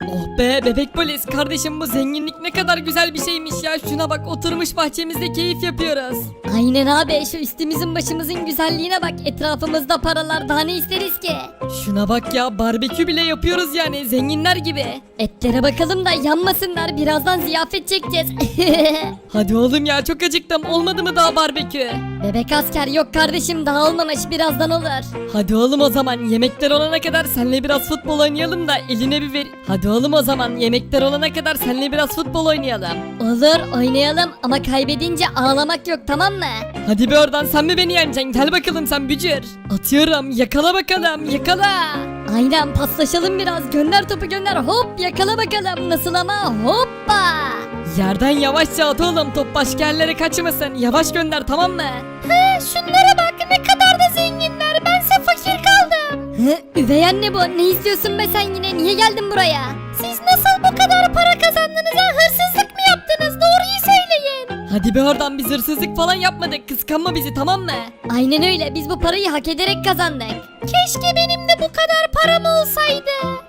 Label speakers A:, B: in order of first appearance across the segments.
A: Oh be bebek polis kardeşim, bu zenginlik ne kadar güzel bir şeymiş ya. Şuna bak, oturmuş bahçemizde keyif yapıyoruz.
B: Aynen abi, şu üstümüzün başımızın güzelliğine bak, etrafımızda paralar, daha ne isteriz ki?
A: Şuna bak ya, barbekü bile yapıyoruz yani, zenginler gibi.
B: Etlere bakalım da yanmasınlar, birazdan ziyafet çekeceğiz.
A: Hadi oğlum ya, çok acıktım, olmadı mı daha barbekü?
B: Bebek asker yok kardeşim, daha olmamış, birazdan olur.
A: Hadi oğlum, o zaman yemekler olana kadar senle biraz futbol oynayalım da eline bir ver. Hadi oğlum, o zaman yemekler olana kadar senle biraz futbol oynayalım.
B: Olur, oynayalım ama kaybedince ağlamak yok, tamam mı?
A: Hadi bir oradan, sen mi beni yeneceksin? Gel bakalım sen bücür. Atıyorum, yakala bakalım, yakala.
B: Aynen, paslaşalım biraz, gönder topu gönder, hop yakala bakalım, nasıl ama, hoppa.
A: Yerden yavaşça at oğlum, top başka yerlere kaçmasın. Yavaş gönder, tamam mı?
B: Şunlara bak, ne kadar da zenginler, bense fakir kaldım. Üvey anne bu, ne istiyorsun be sen yine, niye geldin buraya? Siz nasıl bu kadar para kazandınız ha, hırsızlık mı yaptınız, doğruyu söyleyin.
A: Hadi bir oradan, biz hırsızlık falan yapmadık. Kıskanma bizi, tamam mı?
B: Aynen öyle, biz bu parayı hak ederek kazandık. Keşke benim de bu kadar param olsaydı.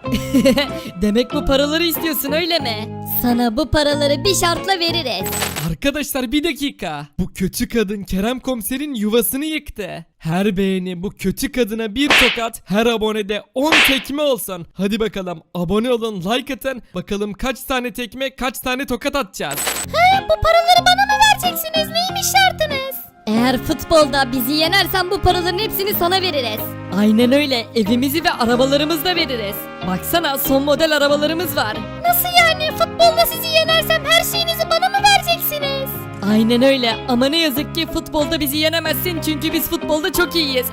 A: Demek bu paraları istiyorsun, öyle mi?
B: Sana bu paraları bir şartla veririz.
C: Arkadaşlar bir dakika. Bu kötü kadın Kerem Komiser'in yuvasını yıktı. Her beğeni bu kötü kadına bir tokat, her abonede 10 tekme olsun. Hadi bakalım, abone olun, like atın. Bakalım kaç tane tekme, kaç tane tokat atacağız.
B: Bu paraları bana mı vereceksiniz, neymiş şartınız? Eğer futbolda bizi yenersen bu paraların hepsini sana veririz.
A: Aynen öyle, evimizi ve arabalarımızı da veririz. Baksana, son model arabalarımız var.
B: Nasıl yani, futbolda sizi yenersem her şeyinizi bana mı vereceksiniz?
A: Aynen öyle, ama ne yazık ki futbolda bizi yenemezsin, çünkü biz futbolda çok iyiyiz.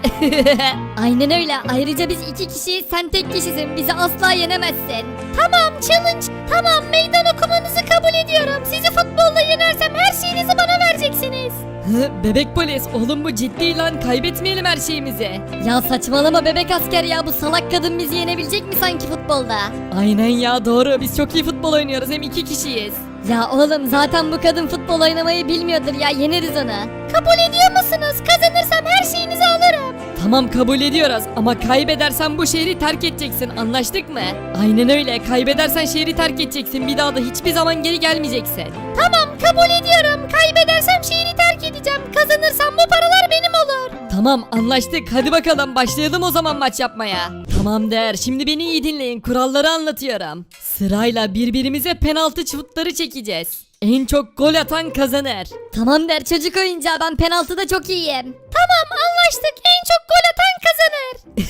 B: Aynen öyle, ayrıca biz iki kişiyiz, sen tek kişisin, bizi asla yenemezsin. Tamam, challenge, tamam, meydan okumanızı kabul ediyorum. Sizi futbolda yenersem her şeyinizi bana vereceksiniz.
A: Bebek polis, oğlum bu ciddi lan, kaybetmeyelim her şeyimizi.
B: Ya saçmalama bebek asker ya, bu salak kadın bizi yenebilecek mi sanki futbolda?
A: Aynen ya, doğru, biz çok iyi futbol oynuyoruz, hem iki kişiyiz.
B: Ya oğlum zaten bu kadın futbol oynamayı bilmiyordur ya, yeneriz onu. Kabul ediyor musunuz? Kazanırsam her şeyinizi alırım.
A: Tamam, kabul ediyoruz, ama kaybedersen bu şehri terk edeceksin, anlaştık mı? Aynen öyle, kaybedersen şehri terk edeceksin, bir daha da hiçbir zaman geri gelmeyeceksin.
B: Tamam, kabul ediyorum. Kaybedersem şehri terk edeceğim. Kazanırsam bu paralar benim olur.
A: Tamam, anlaştık, hadi bakalım başlayalım o zaman maç yapmaya. Tamam der, şimdi beni iyi dinleyin, kuralları anlatıyorum. Sırayla birbirimize penaltı şutları çekeceğiz. En çok gol atan kazanır.
B: Tamam der, çocuk oyuncağı, ben penaltıda çok iyiyim. Tamam, anlaştık. En çok gol atan kazanır.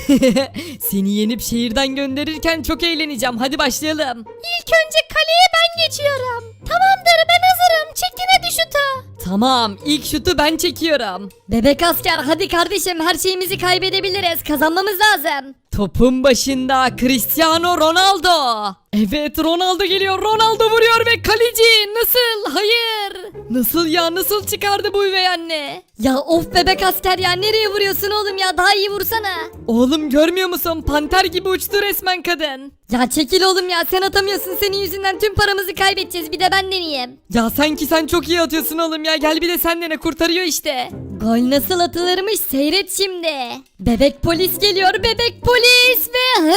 A: Seni yenip şehirden gönderirken çok eğleneceğim, hadi başlayalım.
B: İlk önce kaleye ben geçiyorum. Tamamdır, ben hazırım. Çekin hadi şutu.
A: Tamam, ilk şutu ben çekiyorum.
B: Bebek asker, hadi kardeşim, her şeyimizi kaybedebiliriz. Kazanmamız lazım.
A: Topun başında Cristiano Ronaldo. Evet, Ronaldo geliyor, Ronaldo vuruyor ve kaleci nasıl? Hayır. Nasıl ya, nasıl çıkardı bu üvey anne?
B: Ya of bebek asker ya, nereye vuruyorsun oğlum ya, daha iyi vursana.
A: Oğlum görmüyor musun, panter gibi uçtu resmen kadın.
B: Ya çekil oğlum ya, sen atamıyorsun, senin yüzünden tüm paramızı kaybedeceğiz, bir de ben deneyeyim.
A: Ya sanki sen çok iyi atıyorsun oğlum ya, gel bir de sen dene, kurtarıyor işte.
B: Gol nasıl atılırmış seyret şimdi. Bebek polis geliyor, bebek polis ve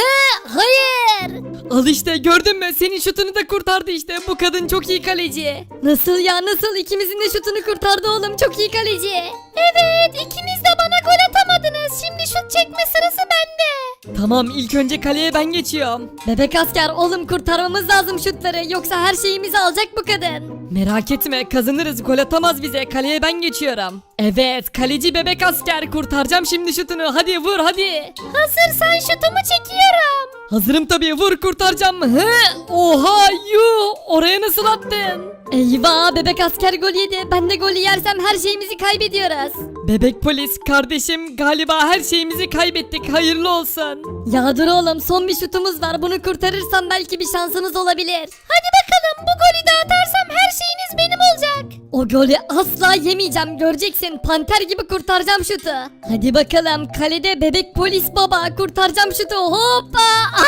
B: hayır.
A: Al işte, gördün mü, senin şutunu da kurtardı işte, bu kadın çok iyi kaleci.
B: Nasıl ya, nasıl, ikimizin de şutunu kurtardı oğlum, çok iyi kaleci. Evet, ikiniz de bana gol atamadınız, şimdi şut çekme sırası bende.
A: Tamam, ilk önce kaleye ben geçiyorum.
B: Bebek asker oğlum, kurtarmamız lazım şutları, yoksa her şeyimizi alacak bu kadın.
A: Merak etme, kazanırız, gol atamaz bize, kaleye ben geçiyorum. Evet, kaleci bebek asker, kurtaracağım şimdi şutunu, hadi vur hadi.
B: Hazırsan şutumu çekiyorum.
A: Hazırım tabii, vur, kurtaracağım. Oha, yuh, oraya nasıl attın?
B: Eyvah, bebek asker gol yedi, ben de golü yersem her şeyimizi kaybediyoruz.
A: Bebek polis kardeşim, galiba her şeyimizi kaybettik, hayırlı olsun.
B: Ya dur oğlum, son bir şutumuz var, bunu kurtarırsam belki bir şansımız olabilir. Hadi bakalım, bu golü de atarsam her şeyiniz benim olacak. O golü asla yemeyeceğim, göreceksin, panter gibi kurtaracağım şutu. Hadi bakalım, kalede bebek polis baba, kurtaracağım şutu, hoppa.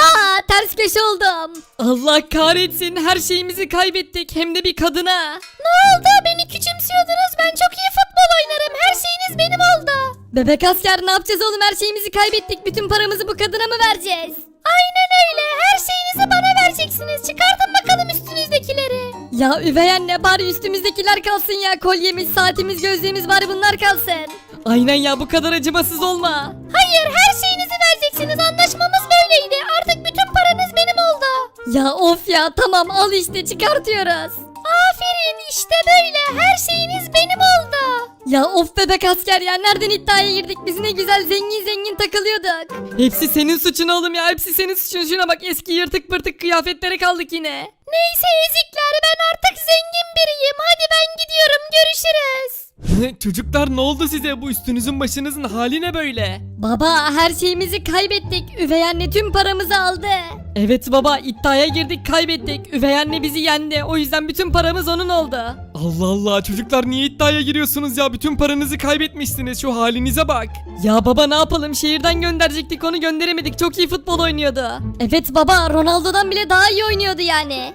B: Ters köşe oldum.
A: Allah kahretsin, her şeyimizi kaybettik, hem de bir kadına.
B: Ne oldu, beni küçümsüyordunuz, ben çok iyi futbol oynarım, her şeyiniz benim oldu. Bebek asker, ne yapacağız oğlum, her şeyimizi kaybettik, bütün paramızı bu kadına mı vereceğiz? Aynen öyle. Her şeyinizi bana vereceksiniz. Çıkartın bakalım üstünüzdekileri. Ya üvey anne bari üstümüzdekiler kalsın ya. Kolyemiz, saatimiz, gözlüğümüz bari bunlar kalsın.
A: Aynen ya, bu kadar acımasız olma.
B: Hayır, her şeyinizi vereceksiniz. Anlaşmamız böyleydi. Artık bütün paranız benim oldu. Ya of ya, tamam al işte, çıkartıyoruz. Aferin, işte böyle. Her şeyiniz benim oldu. Ya of bebek asker ya, nereden iddiaya girdik? Biz ne güzel zengin zengin takılıyorduk.
A: Hepsi senin suçun oğlum ya, hepsi senin suçun. Şuna bak, eski yırtık pırtık kıyafetlere kaldık yine.
B: Neyse ezikler, ben artık zengin biriyim. Hadi ben gidiyorum, görüşürüz.
C: Çocuklar ne oldu size? Bu üstünüzün başınızın hali ne böyle?
B: Baba, her şeyimizi kaybettik. Üvey anne tüm paramızı aldı.
A: Evet baba, iddiaya girdik, kaybettik. Üvey anne bizi yendi, o yüzden bütün paramız onun oldu.
C: Allah Allah, çocuklar niye iddiaya giriyorsunuz ya? Bütün paranızı kaybetmişsiniz, şu halinize bak.
A: Ya baba ne yapalım, şehirden gönderecektik, onu gönderemedik. Çok iyi futbol oynuyordu.
B: Evet baba, Ronaldo'dan bile daha iyi oynuyordu yani.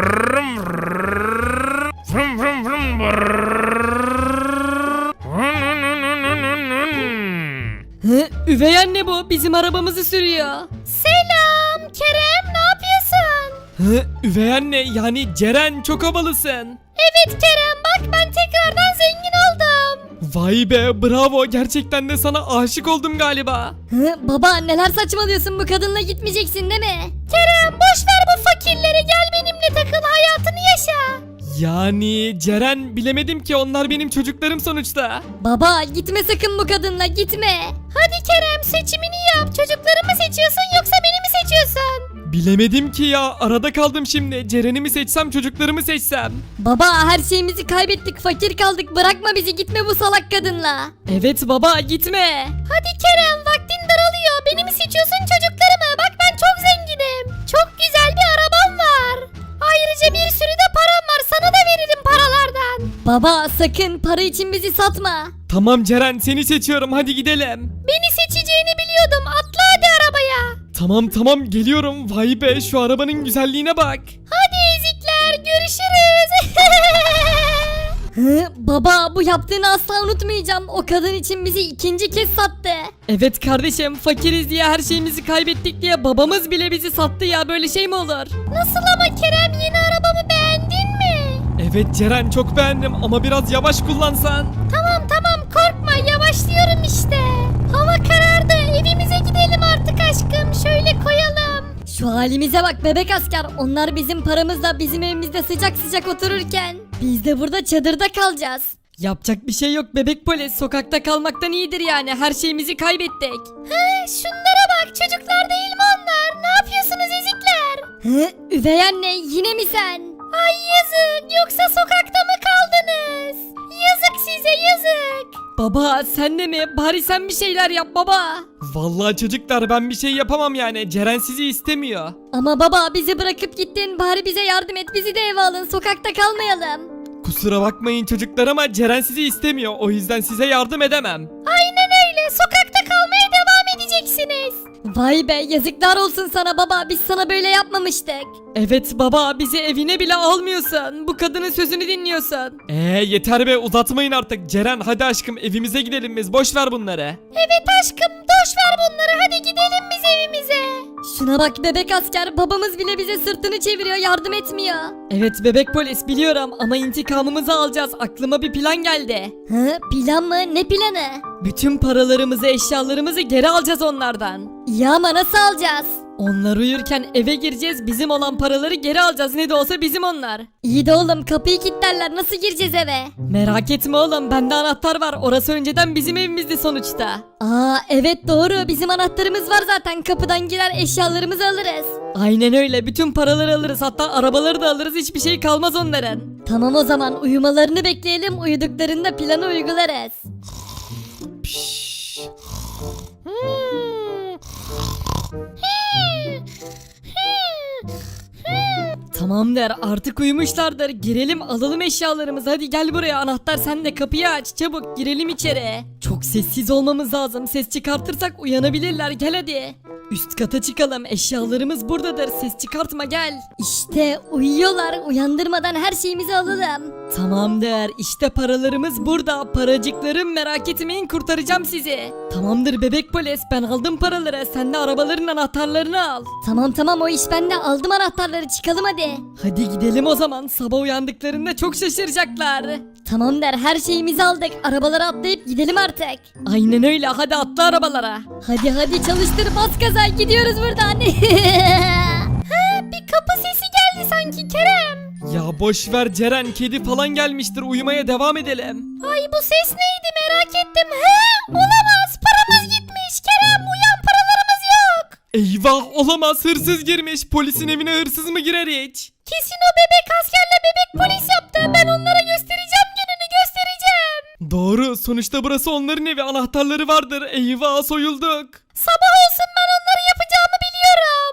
A: Üvey anne bu, bizim arabamızı sürüyor.
B: Selam Kerem, ne yapıyorsun?
C: Üvey anne, yani Ceren, çok havalısın.
B: Evet Kerem, bak ben tekrardan zengin oldum.
C: Vay be, bravo, gerçekten de sana aşık oldum galiba.
B: Baba neler saçmalıyorsun, bu kadınla gitmeyeceksin değil mi? Kerem boş ver bu fakirleri, gel benimle takıl, hayatını yaşa.
C: Yani Ceren, bilemedim ki, onlar benim çocuklarım sonuçta.
B: Baba gitme sakın bu kadınla, gitme. Hadi Kerem, seçimini yap, çocukları mı seçiyorsun yoksa beni mi seçiyorsun?
C: Bilemedim ki ya, arada kaldım şimdi. Ceren'i mi seçsem, çocuklarımı seçsem?
B: Baba her şeyimizi kaybettik, fakir kaldık, bırakma bizi, gitme bu salak kadınla.
A: Evet baba, gitme.
B: Hadi Kerem, vaktin daralıyor, beni mi seçiyorsun çocuklarımı? Bak ben çok zenginim, çok güzel bir arabam var. Ayrıca bir sürü de param var, sana da veririm paralardan. Baba sakın para için bizi satma.
C: Tamam Ceren, seni seçiyorum, hadi gidelim.
B: Beni seçeceğini biliyordum, atla hadi arabaya.
C: Tamam tamam, geliyorum. Vay be, şu arabanın güzelliğine bak.
B: Hadi ezikler, görüşürüz. Baba bu yaptığını asla unutmayacağım. O kadın için bizi ikinci kez sattı.
A: Evet kardeşim, fakiriz diye, her şeyimizi kaybettik diye babamız bile bizi sattı ya, böyle şey mi olur?
B: Nasıl ama Kerem, yeni arabamı beğendin mi?
C: Evet Ceren, çok beğendim ama biraz yavaş kullansan.
B: Tamam korkma, yavaşlıyorum işte. Hava karardı, evimize gidelim artık aşkım, şöyle koyalım. Şu halimize bak bebek asker, onlar bizim paramızla bizim evimizde sıcak sıcak otururken biz de burada çadırda kalacağız.
A: Yapacak bir şey yok bebek polis, sokakta kalmaktan iyidir yani, her şeyimizi kaybettik.
B: Şunlara bak, çocuklar değil mi onlar? Ne yapıyorsunuz ezikler? Üvey anne, yine mi sen? Ay yazık, yoksa sokakta mı kaldınız? Yazık size, yazık.
A: Baba sen de mi? Bari sen bir şeyler yap baba.
C: Vallahi çocuklar, ben bir şey yapamam yani. Ceren sizi istemiyor.
B: Ama baba bizi bırakıp gittin, bari bize yardım et, bizi de eve alın, sokakta kalmayalım.
C: Kusura bakmayın çocuklar ama Ceren sizi istemiyor. O yüzden size yardım edemem.
B: Aynen öyle, sokakta kalmaya devam edeceksiniz. Vay be, yazıklar olsun sana baba, biz sana böyle yapmamıştık.
A: Evet baba, bizi evine bile almıyorsun. Bu kadının sözünü dinliyorsun.
C: Yeter be, uzatmayın artık. Ceren hadi aşkım, evimize gidelim biz. Boş ver bunları.
B: Evet aşkım, boş ver bunları, hadi gidelim biz evimize. Şuna bak bebek asker, babamız bile bize sırtını çeviriyor, yardım etmiyor.
A: Evet bebek polis, biliyorum ama intikamımızı alacağız. Aklıma bir plan geldi.
B: Plan mı? Ne planı?
A: Bütün paralarımızı, eşyalarımızı geri alacağız onlardan.
B: Ya ama nasıl alacağız?
A: Onlar uyurken eve gireceğiz, bizim olan paraları geri alacağız, ne de olsa bizim onlar.
B: İyi de oğlum, kapıyı kilitlerler, nasıl gireceğiz eve?
A: Merak etme oğlum, bende anahtar var, orası önceden bizim evimizdi sonuçta.
B: Aa evet doğru, bizim anahtarımız var zaten, kapıdan girer eşyalarımızı alırız.
A: Aynen öyle, bütün paraları alırız, hatta arabaları da alırız, hiçbir şey kalmaz onların.
B: Tamam o zaman, uyumalarını bekleyelim, uyuduklarında planı uygularız.
A: Tamam der, artık uyumuşlardır, girelim alalım eşyalarımızı, hadi gel buraya, anahtar sende, kapıyı aç çabuk, girelim içeri. Çok sessiz olmamız lazım, ses çıkartırsak uyanabilirler, gel hadi. Üst kata çıkalım, eşyalarımız buradadır, ses çıkartma, gel.
B: İşte uyuyorlar, uyandırmadan her şeyimizi alalım.
A: Tamamdır işte paralarımız burada. Paracıklarım merak etmeyin kurtaracağım sizi. Tamamdır bebek polis ben aldım paraları. Sen de arabaların anahtarlarını al.
B: Tamam o iş bende, aldım anahtarları, çıkalım hadi.
A: Hadi gidelim o zaman. Sabah uyandıklarında çok şaşıracaklar.
B: Tamam der, her şeyimizi aldık, arabalara atlayıp gidelim artık.
A: Aynen öyle hadi atla arabalara.
B: Hadi çalıştır, bas gaza, gidiyoruz buradan. Bir kapı sesi geldi sanki Kerem.
C: Ya boş ver Ceren, kedi falan gelmiştir, uyumaya devam edelim.
B: Ay bu ses neydi merak ettim. Olamaz, paramız gitmiş. Kerem uyan, paralarımız yok.
C: Eyvah, olamaz, hırsız girmiş. Polisin evine hırsız mı girer hiç?
B: Kesin o bebek askerle bebek polis yaptı. Ben onlara göstereceğim, gününü göstereceğim.
C: Doğru, sonuçta burası onların evi, anahtarları vardır. Eyvah, soyulduk.
B: Sabah olsun, ben onları yapacağımı biliyorum.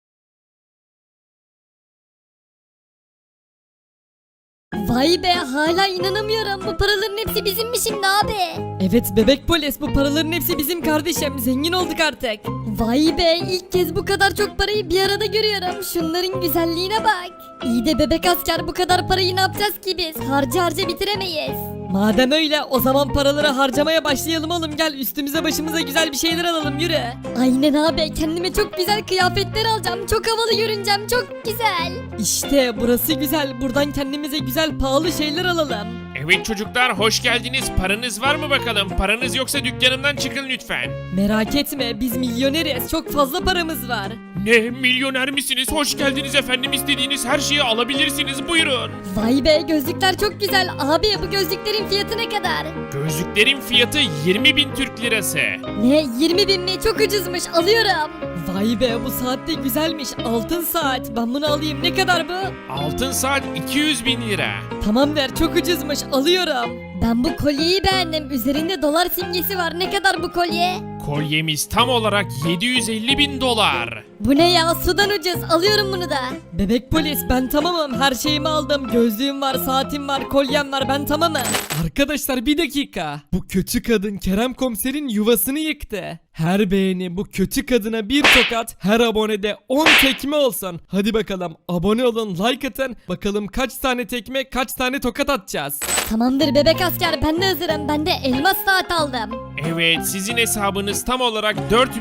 B: Vay be, hala inanamıyorum. Bu paraların hepsi bizim mi şimdi abi?
A: Evet bebek polis bu paraların hepsi bizim kardeşim. Zengin olduk artık.
B: Vay be, ilk kez bu kadar çok parayı bir arada görüyorum. Şunların güzelliğine bak. İyi de bebek asker, bu kadar parayı ne yapacağız ki biz? Harca bitiremeyiz.
A: Madem öyle o zaman paraları harcamaya başlayalım oğlum. Gel üstümüze başımıza güzel bir şeyler alalım yürü.
B: Aynen abi, kendime çok güzel kıyafetler alacağım. Çok havalı görüneceğim, çok güzel.
A: İşte burası güzel. Buradan kendimize güzel pahalı şeyler alalım.
D: Evet çocuklar hoş geldiniz. Paranız var mı bakalım? Paranız yoksa dükkanımdan çıkın lütfen.
A: Merak etme biz milyoneriz. Çok fazla paramız var.
D: Ne milyoner misiniz? Hoş geldiniz efendim. İstediğiniz her şeyi alabilirsiniz. Buyurun.
B: Vay be, gözlükler çok güzel. Abi bu gözlüklerin fiyatı ne kadar?
D: Gözlüklerin fiyatı 20.000 Türk lirası.
B: Ne, 20.000 mi? Çok ucuzmuş, alıyorum.
A: Vay be bu saat de güzelmiş. Altın saat. Ben bunu alayım. Ne kadar bu?
D: Altın saat 200.000 lira.
A: Tamam der çok ucuzmuş. Alıyorum.
B: Ben bu kolyeyi beğendim. Üzerinde dolar simgesi var. Ne kadar bu kolye?
D: Kolyemiz tam olarak 750.000 dolar.
B: Bu ne ya, sudan ucuz. Alıyorum bunu da.
A: Bebek polis ben tamamım. Her şeyimi aldım. Gözlüğüm var, saatim var, kolyem var. Ben tamamım.
C: Arkadaşlar bir dakika. Bu kötü kadın Kerem komiserin yuvasını yıktı. Her beğeni bu kötü kadına bir tokat, her abonede 10 tekme olsun. Hadi bakalım abone olun, like atın. Bakalım kaç tane tekme, kaç tane tokat atacağız.
B: Tamamdır bebek asker, ben de hazırım. Ben de elmas saat aldım.
D: Evet sizin hesabınız tam olarak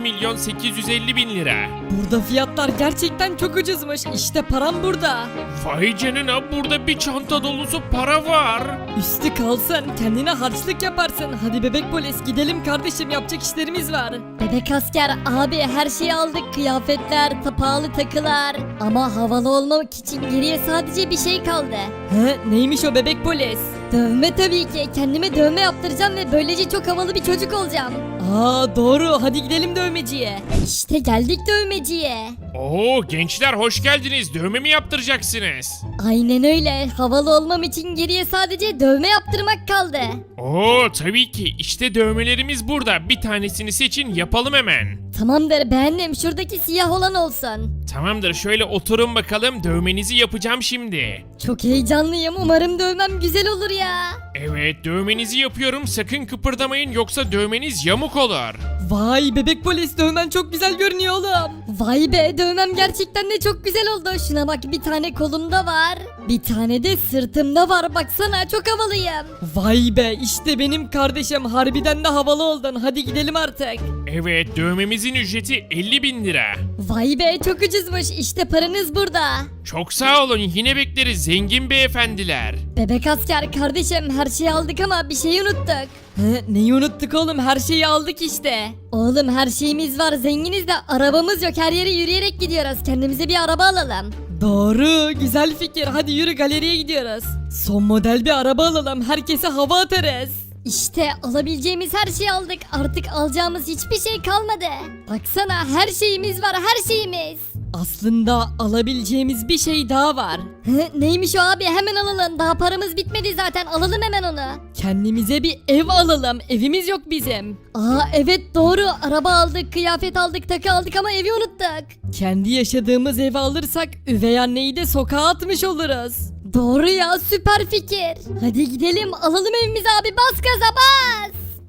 D: 4.850.000 lira.
A: Burada fiyatlar gerçekten çok ucuzmuş. İşte param burada.
D: Vay canına burada bir çanta dolusu para var.
A: Üstü kalsın. Kendine harçlık yaparsın. Hadi bebek polis gidelim kardeşim. Yapacak işlerimiz var.
B: Bebek asker abi, her şeyi aldık. Kıyafetler, pahalı takılar. Ama havalı olmak için geriye sadece bir şey kaldı.
A: He, neymiş o bebek polis?
B: Dövme tabii ki. Kendime dövme yaptıracağım ve böylece çok havalı bir çocuk olacağım.
A: Aa doğru. Hadi gidelim dövmeciye.
B: İşte geldik dövmeciye.
D: Oo gençler hoş geldiniz. Dövme mi yaptıracaksınız?
B: Aynen öyle. Havalı olmam için geriye sadece dövme yaptırmak kaldı.
D: Oo tabii ki. İşte dövmelerimiz burada. Bir tanesini seçin yapalım hemen.
B: Tamamdır, beğendim. Şuradaki siyah olan olsun.
D: Tamamdır şöyle oturun bakalım. Dövmenizi yapacağım şimdi.
B: Çok heyecanlıyım. Umarım dövmem güzel olur ya.
D: Evet dövmenizi yapıyorum. Sakın kıpırdamayın yoksa dövmeniz yamuk olur.
A: Vay bebek polis dövmen çok güzel görünüyor oğlum.
B: Vay be, dövmem gerçekten de çok güzel oldu. Şuna bak, bir tane kolumda var. Bir tane de sırtımda var. Baksana, çok havalıyım.
A: Vay be işte benim kardeşim harbiden de havalı oldun. Hadi gidelim artık.
D: Evet dövmemizin ücreti 50.000 lira.
B: Vay be, çok ucuzmuş. İşte paranız burada.
D: Çok sağ olun yine bekleriz zengin beyefendiler.
B: Bebek asker kardeşim, her şeyi aldık ama bir şeyi unuttuk.
A: He, neyi unuttuk oğlum her şeyi aldık işte.
B: Oğlum her şeyimiz var, zenginiz de arabamız yok. Her yere yürüyerek gidiyoruz. Kendimize bir araba alalım.
A: Doğru güzel fikir hadi yürü galeriye gidiyoruz. Son model bir araba alalım herkese hava atarız.
B: İşte alabileceğimiz her şeyi aldık. Artık alacağımız hiçbir şey kalmadı. Baksana, her şeyimiz var, her şeyimiz.
A: Aslında alabileceğimiz bir şey daha var.
B: Neymiş o abi, hemen alalım. Daha paramız bitmedi zaten, alalım hemen onu.
A: Kendimize bir ev alalım evimiz yok bizim.
B: Aa evet doğru, araba aldık, kıyafet aldık, takı aldık ama evi unuttuk.
A: Kendi yaşadığımız evi alırsak üvey anneyi de sokağa atmış oluruz.
B: Doğru ya, süper fikir. Hadi gidelim alalım evimizi abi, bas gaza bas.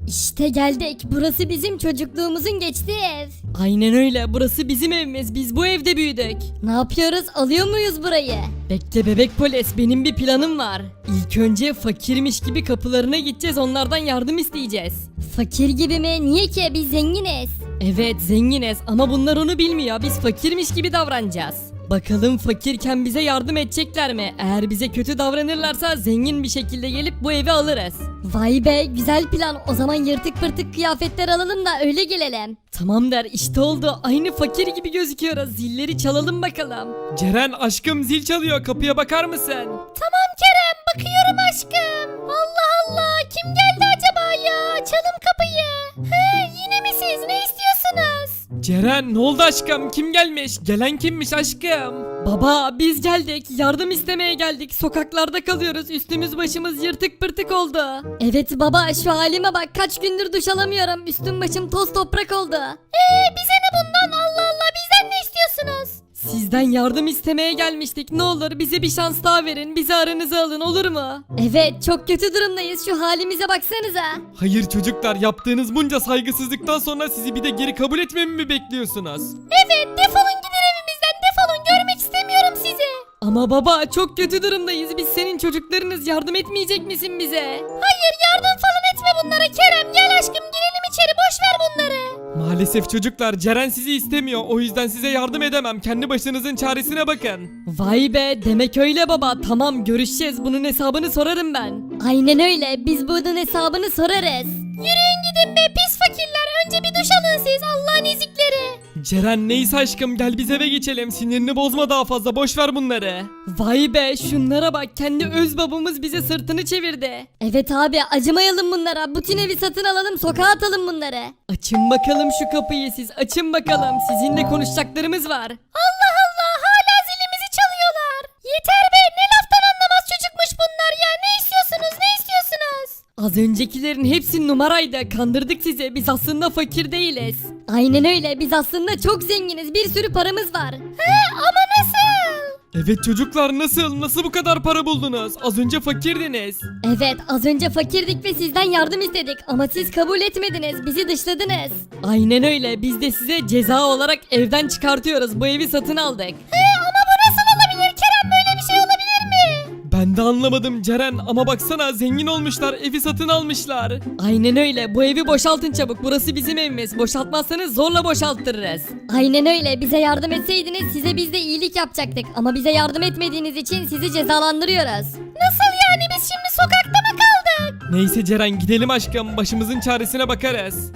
B: İşte geldik. Burası bizim çocukluğumuzun geçtiği ev.
A: Aynen öyle, burası bizim evimiz, biz bu evde büyüdük.
B: Ne yapıyoruz? Alıyor muyuz burayı?
A: Bekle bebek polis, benim bir planım var. İlk önce fakirmiş gibi kapılarına gideceğiz, onlardan yardım isteyeceğiz.
B: Fakir gibi mi? Niye ki? Biz zenginiz.
A: Evet zenginiz ama bunlar onu bilmiyor, biz fakirmiş gibi davranacağız. Bakalım fakirken bize yardım edecekler mi? Eğer bize kötü davranırlarsa zengin bir şekilde gelip bu evi alırız.
B: Vay be, güzel plan. O zaman yırtık pırtık kıyafetler alalım da öyle gelelim.
A: Tamam der, işte oldu, aynı fakir gibi gözüküyoruz, zilleri çalalım bakalım.
C: Ceren aşkım zil çalıyor, kapıya bakar mısın?
B: Tamam Kerem, bakıyorum aşkım. Allah Allah, kim geldi acaba ya? Açalım kapıyı. He, yine mi siz? Ne istiyorsunuz?
C: Ceren ne oldu aşkım, kim gelmiş? Gelen kimmiş aşkım?
A: Baba biz geldik, yardım istemeye geldik, sokaklarda kalıyoruz, üstümüz başımız yırtık pırtık oldu.
B: Evet baba, şu halime bak, kaç gündür duş alamıyorum. Üstüm başım toz toprak oldu. Bize ne bundan? Allah Allah, bizden ne istiyorsunuz?
A: Sizden yardım istemeye gelmiştik, ne olur bize bir şans daha verin, bizi aranıza alın, olur mu?
B: Evet, çok kötü durumdayız. Şu halimize baksanıza.
C: Hayır çocuklar, yaptığınız bunca saygısızlıktan sonra sizi bir de geri kabul etmemi mi bekliyorsunuz?
B: Evet, defolun gidin evimizden, defolun, görmek istemiyorum sizi.
A: Ama baba çok kötü durumdayız, biz senin çocuklarınız, yardım etmeyecek misin bize?
B: Hayır, yardım falan etme bunlara Kerem. Gel aşkım, girelim içeri, boş ver bunları.
C: Maalesef çocuklar, Ceren sizi istemiyor, o yüzden size yardım edemem, kendi başınızın çaresine bakın.
A: Vay be, demek öyle baba, tamam görüşeceğiz, bunun hesabını sorarım ben.
B: Aynen öyle, biz bunun hesabını sorarız. Yürüyün gidin be pis fakirler. Önce bir duş alın siz, Allah'ın ezikleri.
C: Ceren neyse aşkım, gel biz eve geçelim, sinirini bozma daha fazla, boş ver bunları.
A: Vay be, şunlara bak, kendi öz babamız bize sırtını çevirdi.
B: Evet abi, acımayalım bunlara. Bütün evi satın alalım, sokağa atalım bunları.
A: Açın bakalım şu kapıyı, siz açın bakalım, sizinle konuşacaklarımız var.
B: Allah Allah, hala zilimizi çalıyorlar. Yeter be, ne laftan anlamaz çocukmuş bunlar ya. Ne istiyorsunuz, ne istiyorsunuz?
A: Az öncekilerin hepsi numaraydı, kandırdık sizi, biz aslında fakir değiliz.
B: Aynen öyle, biz aslında çok zenginiz, bir sürü paramız var. Ama nasıl?
C: Evet çocuklar, nasıl bu kadar para buldunuz? Az önce fakirdiniz.
B: Evet, az önce fakirdik ve sizden yardım istedik ama siz kabul etmediniz, bizi dışladınız.
A: Aynen öyle, biz de size ceza olarak evden çıkartıyoruz, bu evi satın aldık.
B: Ama bu nasıl olabilir Kerem, böyle bir şey olabilir mi?
C: Ben de anlamadım Ceren, ama baksana zengin olmuşlar, evi satın almışlar.
A: Aynen öyle, bu evi boşaltın çabuk, burası bizim evimiz, boşaltmazsanız zorla boşalttırırız.
B: Aynen öyle, bize yardım etseydiniz size biz de iyilik yapacaktık ama bize yardım etmediğiniz için sizi cezalandırıyoruz. Nasıl yani, biz şimdi sokakta mı kaldık?
C: Neyse Ceren, gidelim aşkım, başımızın çaresine bakarız.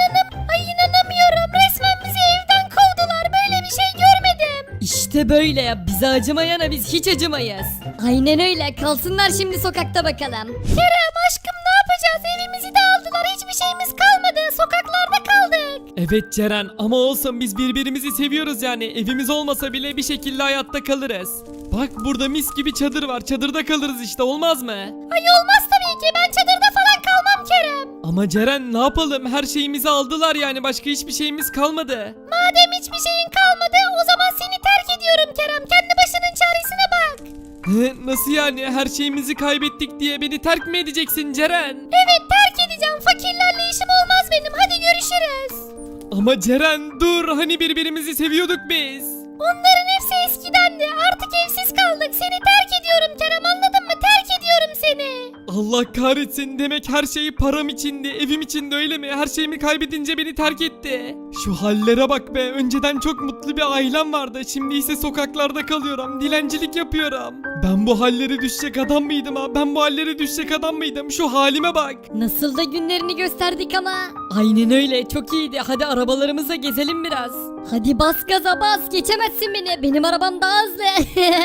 B: Ay inanamıyorum, resmen bizi evden kovdular, böyle bir şey görmedim.
A: İşte böyle ya, bize acımayana biz hiç acımayız.
B: Aynen öyle, kalsınlar şimdi sokakta bakalım. Kerem aşkım, ne yapacağız? Evimizi de aldılar, hiçbir şeyimiz kalmadı, sokaklarda kaldık.
C: Evet Ceren, ama olsun, biz birbirimizi seviyoruz yani, evimiz olmasa bile bir şekilde hayatta kalırız. Bak burada mis gibi çadır var, çadırda kalırız işte, olmaz mı?
B: Ay olmaz tabii ki, ben çadırda falan kalmam Kerem.
C: Ama Ceren ne yapalım, her şeyimizi aldılar yani, başka hiçbir şeyimiz kalmadı.
B: Madem hiçbir şeyin kalmadı, o zaman seni terk ediyorum Kerem, kendi başının çaresine bak.
C: Nasıl yani, her şeyimizi kaybettik diye beni terk mi edeceksin Ceren?
B: Evet, terk edeceğim, fakirlerle işim olmaz benim, hadi görüşürüz.
C: Ama Ceren dur, hani birbirimizi seviyorduk biz.
B: Onların hepsi eskidendi, artık evsiz kaldık, seni terk ediyorum Kerem, anladın mı? Terk ediyorum seni.
C: Allah kahretsin, demek her şey param içindi, evim içindi, öyle mi? Her şeyimi kaybedince beni terk etti. Şu hallere bak be, önceden çok mutlu bir ailem vardı, şimdi ise sokaklarda kalıyorum, dilencilik yapıyorum. Ben bu hallere düşecek adam mıydım ha? Ben bu hallere düşecek adam mıydım? Şu halime bak.
B: Nasıl da günlerini gösterdik ama.
A: Aynen öyle, çok iyiydi, hadi arabalarımıza gezelim biraz.
B: Hadi bas gaza bas, geçemezsin beni, benim arabam daha hızlı.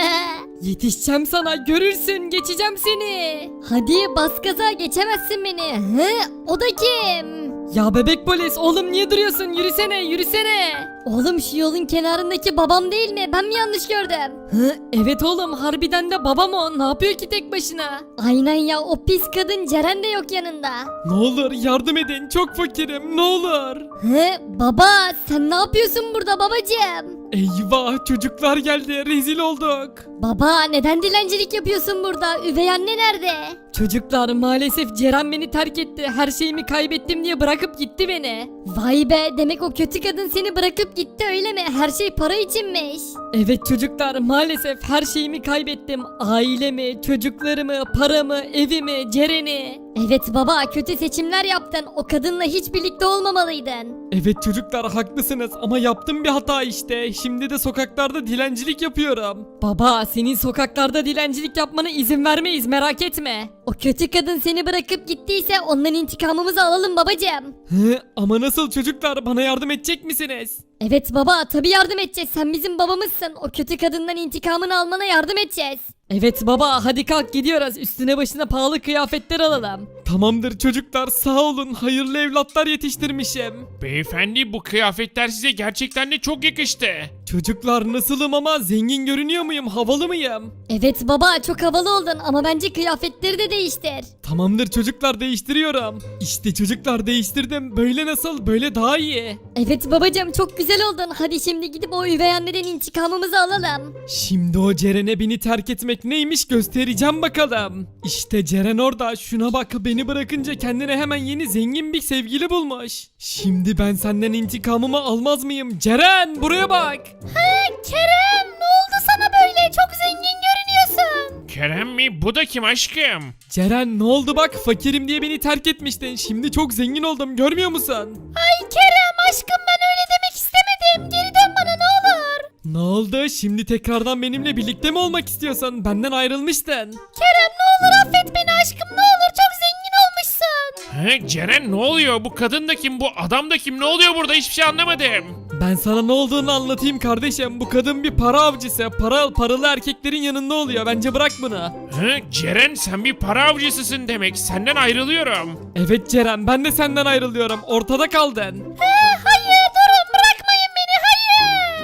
A: Yetişeceğim sana, görürsün, geçeceğim seni.
B: Hadi bas gaza, geçemezsin beni. Hı? O da kim?
A: Ya bebek polis, oğlum niye duruyorsun, yürüsene yürüsene.
B: Oğlum şu yolun kenarındaki babam değil mi? Ben mi yanlış gördüm?
A: Hı, evet oğlum, harbiden de babam o, ne yapıyor ki tek başına?
B: Aynen ya, o pis kadın Ceren de yok yanında.
C: Ne olur yardım edin, çok fakirim, ne olur.
B: He baba, sen ne yapıyorsun burada babacığım?
C: Eyvah çocuklar geldi rezil olduk.
B: Baba neden dilencilik yapıyorsun burada? Üvey anne nerede?
A: Çocuklar maalesef Ceren beni terk etti. Her şeyimi kaybettim diye bırakıp gitti beni.
B: Vay be demek o kötü kadın seni bırakıp gitti öyle mi? Her şey para içinmiş.
A: Evet çocuklar maalesef her şeyimi kaybettim. Ailemi, çocuklarımı, paramı, evimi, Ceren'i.
B: Evet baba kötü seçimler yaptın. O kadınla hiç birlikte olmamalıydın.
C: Evet çocuklar haklısınız ama yaptım bir hata işte. Şimdi de sokaklarda dilencilik yapıyorum.
A: Baba senin sokaklarda dilencilik yapmana izin vermeyiz merak etme.
B: O kötü kadın seni bırakıp gittiyse ondan intikamımızı alalım babacığım.
C: Hı, ama nasıl çocuklar bana yardım edecek misiniz?
B: Evet baba tabii yardım edeceğiz. Sen bizim babamızsın. O kötü kadından intikamını almana yardım edeceğiz.
A: Evet baba hadi kalk gidiyoruz. Üstüne başına pahalı kıyafetler alalım.
C: Tamamdır çocuklar sağ olun hayırlı evlatlar yetiştirmişim.
D: Beyefendi bu kıyafetler size gerçekten de çok yakıştı.
C: Çocuklar nasılım ama zengin görünüyor muyum havalı mıyım?
B: Evet baba çok havalı oldun ama bence kıyafetleri de değiştir.
C: Tamamdır çocuklar değiştiriyorum. İşte çocuklar değiştirdim böyle nasıl böyle daha iyi.
B: Evet babacığım çok güzel oldun. Hadi şimdi gidip o üvey anneden intikamımızı alalım.
C: Şimdi o Ceren'e beni terk etmek neymiş göstereceğim bakalım. İşte Ceren orada şuna bak beni bırakınca kendine hemen yeni zengin bir sevgili bulmuş. Şimdi ben senden intikamımı almaz mıyım? Ceren buraya bak.
B: Kerem ne oldu sana böyle? Çok zengin görünüyorsun.
D: Kerem mi? Bu da kim aşkım?
C: Ceren ne oldu bak fakirim diye beni terk etmiştin. Şimdi çok zengin oldum görmüyor musun?
B: Ay Kerem aşkım ben öyle demek istemedim. Geri dön bana ne olur.
C: Ne oldu? Şimdi tekrardan benimle birlikte mi olmak istiyorsun? Benden ayrılmıştın.
B: Kerem ne olur affet beni aşkım ne olur çok zengin olmuşsun.
D: He, Ceren ne oluyor? Bu kadın da kim? Bu adam da kim? Ne oluyor burada? Hiçbir şey anlamadım.
C: Ben sana ne olduğunu anlatayım kardeşim. Bu kadın bir para avcısı. Paralı erkeklerin yanında oluyor. Bence bırak bunu.
D: He, Ceren sen bir para avcısısın demek. Senden ayrılıyorum.
C: Evet Ceren ben de senden ayrılıyorum. Ortada kaldın.
B: He